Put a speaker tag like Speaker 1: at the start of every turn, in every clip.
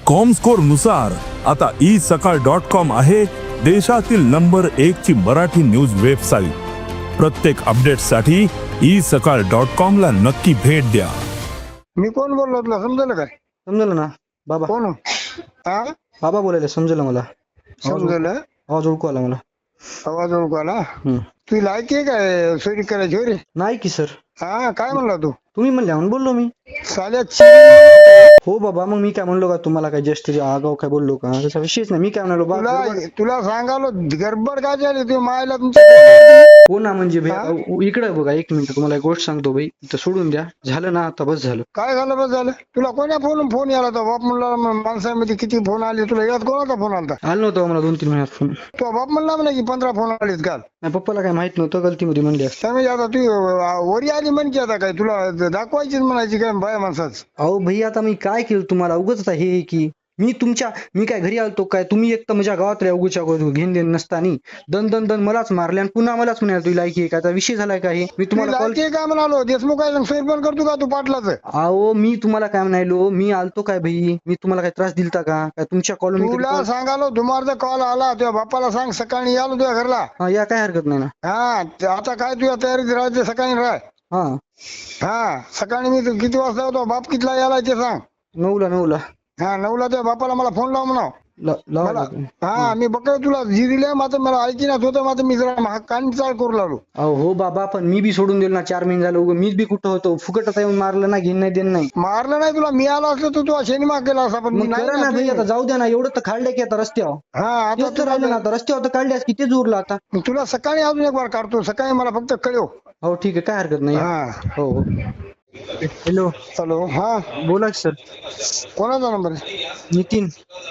Speaker 1: Comscore नुसार आता isakal.com आहे देशातील नंबर 1 ची मराठी न्यूज वेबसाईट। प्रत्येक अपडेटसाठी isakal.com ला नक्की भेट द्या।
Speaker 2: मी कोण बोललो तुला समजलं काय?
Speaker 3: समजलं ना बाबा?
Speaker 2: कोण? हा
Speaker 3: बाबा बोलायला समजलं मला।
Speaker 2: समजलं?
Speaker 3: आवाज ओळखू आला मला।
Speaker 2: आवाज ओळखू आला? तू लायकी आहे काय सोयरी करायची रे?
Speaker 3: नाही की सर।
Speaker 2: हा काय म्हणला तू?
Speaker 3: तुम्ही म्हणल्या म्हणून बोललो मी।
Speaker 2: साल्या
Speaker 3: हो बाबा, मग मी काय म्हणलो का तुम्हाला? काय जस्ट आगाव काय बोललो का? त्याचा विषयच नाही। मी काय म्हणालो
Speaker 2: तुला सांगालो गडबड काय झाली तू मायला तुमच्या?
Speaker 3: हो ना म्हणजे इकडे बघा, एक मिनिट तुम्हाला एक गोष्ट सांगतो भाई, इथं सोडून द्या। झालं ना आता, बस झालं।
Speaker 2: काय झालं बस झालं? तुला कोण्या फोन याला तो बाप म्हणला? माणसामध्ये किती फोन आले तुला? यात कोणाचा फोन आला?
Speaker 3: आलं नव्हतं मला 2-3 महिन्यात फोन।
Speaker 2: तो बाप म्हणला म्हणा की 15 फोन आलेत काल।
Speaker 3: नाही पप्पाला काय माहित नव्हतं, गलतीमध्ये म्हणली असते।
Speaker 2: त्यामुळे आता तू वरी आली म्हण की आता काय तुला दाखवायचीच म्हणायची काय बाया माणसाच?
Speaker 3: अहो भाई आता मी काय केलं तुम्हाला? उगाच आता हे की मी काय घरी आलतो काय? तुम्ही एक तर माझ्या गावात उगूच्या घेऊन देण नसतानी दन दन दन मलाच मारले आणि पुन्हा मलाच म्हणाल तुला लायकी आहे का? आता विषय झालाय का हे? मी तुम्हाला कॉल
Speaker 2: काय म्हणालो? देशमुख काय पण करतो का तू पाटलाच?
Speaker 3: अहो मी तुम्हाला काय म्हणालो? मी आलतो काय भाई? मी तुम्हाला काय त्रास दिलता का? काय तुमच्या कॉलनी
Speaker 2: तुला सांगालो दुमारचा कॉल आला तुझ्या बापाला सांग सकाळी आलो तुझ्या घरला।
Speaker 3: या काय हरकत नाही ना।
Speaker 2: हा आता काय तुझ्या तयारीत राहायचं सकाळी राह। हा सकाळी मी किती वाजता होतो? बाप कितला यायला ते सांग।
Speaker 3: 9ला।
Speaker 2: हा 9ला तुझ्या बापाला मला फोन लाव म्हणा। हा मी बघ तुला जी दिले मात्र मला ऐकी ना होतं मात्र मी जरा कान चाळ करू लागलो।
Speaker 3: हो बाबा, पण मी बी सोडून दिलं ना 4 महिने झालं। मीच बी कुठं होतो? फुकट आता येऊन मारलं ना, घेऊन नाही देणं नाही।
Speaker 2: मारलं नाही तुला, मी आलो असतो तू शेनिमा केला असता पण मी नाही
Speaker 3: ना भाई। आता जाऊ द्या ना, एवढं तर काढलंय की आता रस्त्यावर।
Speaker 2: हा आता
Speaker 3: तर राहिलं ना, आता रस्त्यावर तर काढल्यास किती जोरला आता।
Speaker 2: तुला सकाळी अजून एक बार काढतो, सकाळी मला फक्त कळव।
Speaker 3: हो ठीक आहे, काय हरकत नाही। हो हॅलो
Speaker 2: हा
Speaker 3: बोला सर।
Speaker 2: कोणाचा नंबर आहे?
Speaker 3: नितीन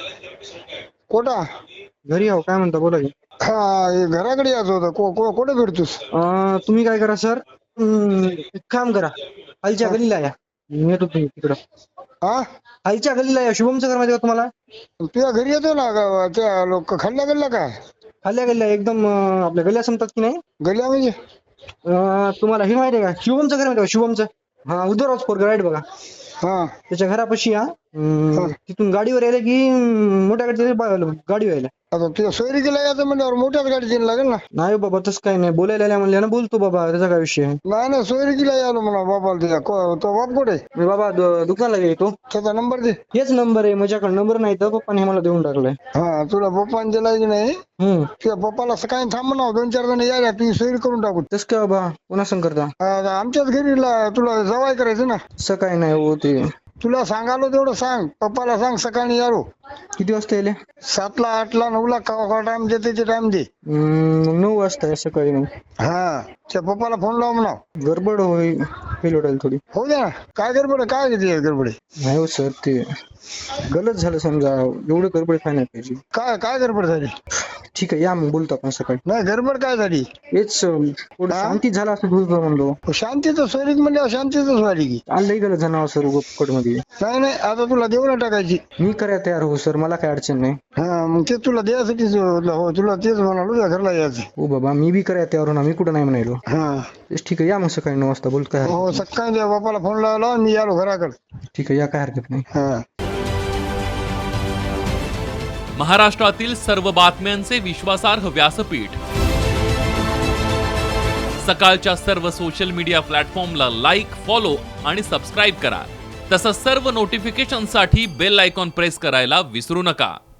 Speaker 2: कोटा
Speaker 3: घरी आहो, काय म्हणता बोला की।
Speaker 2: हा घराकडे यायचं होतं, कुठे भेटतोस?
Speaker 3: तुम्ही काय करा सर, एक काम करा, खालच्या गलीला या। येतो तुम्ही तिकडं।
Speaker 2: हा
Speaker 3: खालच्या गलीला या, शुभमचं घर माहिती का तुम्हाला?
Speaker 2: तुझ्या घरी येतो ना त्या लोक खाल्ल्या गल्ल्या काय?
Speaker 3: खाल्ल्या गल्ल्या एकदम आपल्या गल्ल्या संपतात की नाही?
Speaker 2: गल्ल्या म्हणजे
Speaker 3: तुम्हाला हे माहिती आहे का? शुभमचं घर माहिती का? शुभमचं हा उद्धवराज पोरग राईट बघा।
Speaker 2: हा
Speaker 3: त्याच्या घरापाशी या, तिथून गाडीवर यायला की मोठ्या गाडी यायला।
Speaker 2: आता तुझ्या सोयरी गेला यायचं म्हणल्यावर मोठ्याच गाडी लागेल ना?
Speaker 3: नाही बाबा तसं काही नाही, बोलायला म्हणले ना बोलतो बाबा, त्याचा काय विषय आहे?
Speaker 2: नाही सोयरी गेला यालो म्हणा बाबाला तुझ्या। तो बाप कुठे?
Speaker 3: मी बाबा दुकानला गेलो।
Speaker 2: त्याचा नंबर दे।
Speaker 3: हेच नंबर आहे माझ्याकडे, नंबर नाही तर पप्पाने मला देऊन टाकलाय।
Speaker 2: हा तुला पप्पाने दिला की नाही? तुझ्या पप्पाला सकाळी थांब ना, 2-4 जण यायला तुझी सोयरी करून टाकू।
Speaker 3: तस काय बाबा, पुन्हा संग करता?
Speaker 2: आमच्याच घरी तुला जवाय करायचं ना?
Speaker 3: सकाळी नाही होते।
Speaker 2: तुला सांगालो तेवढं सांग, पप्पाला सांग सकाळी यालो।
Speaker 3: किती वाजता येले?
Speaker 2: 7ला 8ला 9ला का टाइम देते ते टाइम दे।
Speaker 3: 9 वाजता सकाळी मग।
Speaker 2: हा त्या पप्पाला फोन लाव म्हणा।
Speaker 3: गडबड होईल थोडी।
Speaker 2: हो द्या। काय गडबड? काय गडबड?
Speaker 3: नाही हो सर, ते गलत झालं समजा, एवढं गडबड काय नाही पाहिजे।
Speaker 2: काय गडबड झाली?
Speaker 3: ठीक आहे या मग बोलतो आपण सकाळी।
Speaker 2: नाही गडबड काय झाली?
Speaker 3: हेच शांती झाला असं म्हणलो।
Speaker 2: शांतीचं सोयरीक म्हणजे शांतीच झाली की
Speaker 3: लई गलत झालं सर फुकट मध्ये।
Speaker 2: नाही आता तुला देऊन टाकायची।
Speaker 3: मी करायला तयार हो सर, मला काय अडचण नाही।
Speaker 2: हा मग ते तुला द्यायसाठी हो, तुला तेच म्हणालो घरला यायचं।
Speaker 3: हो बाबा, मी बी करायला तयार हो ना, मी कुठं नाही म्हणालो।
Speaker 2: हा
Speaker 3: ठीक आहे या मग सकाळी 9 वाजता बोल। काय
Speaker 2: हो सकाळी त्या बापाला फोन लावला, मी आलो घराकडे।
Speaker 3: ठीक आहे या, काय हरकत नाही।
Speaker 2: हा
Speaker 4: महाराष्ट्रातील सर्व बातम्यांचे विश्वासार्ह व्यासपीठ, सकाळच्या सर्व सोशल मीडिया प्लॅटफॉर्मला लाईक, फॉलो आणि सबस्क्राईब करा। तसंच सर्व नोटिफिकेशनसाठी बेल आयकॉन प्रेस करायला विसरू नका।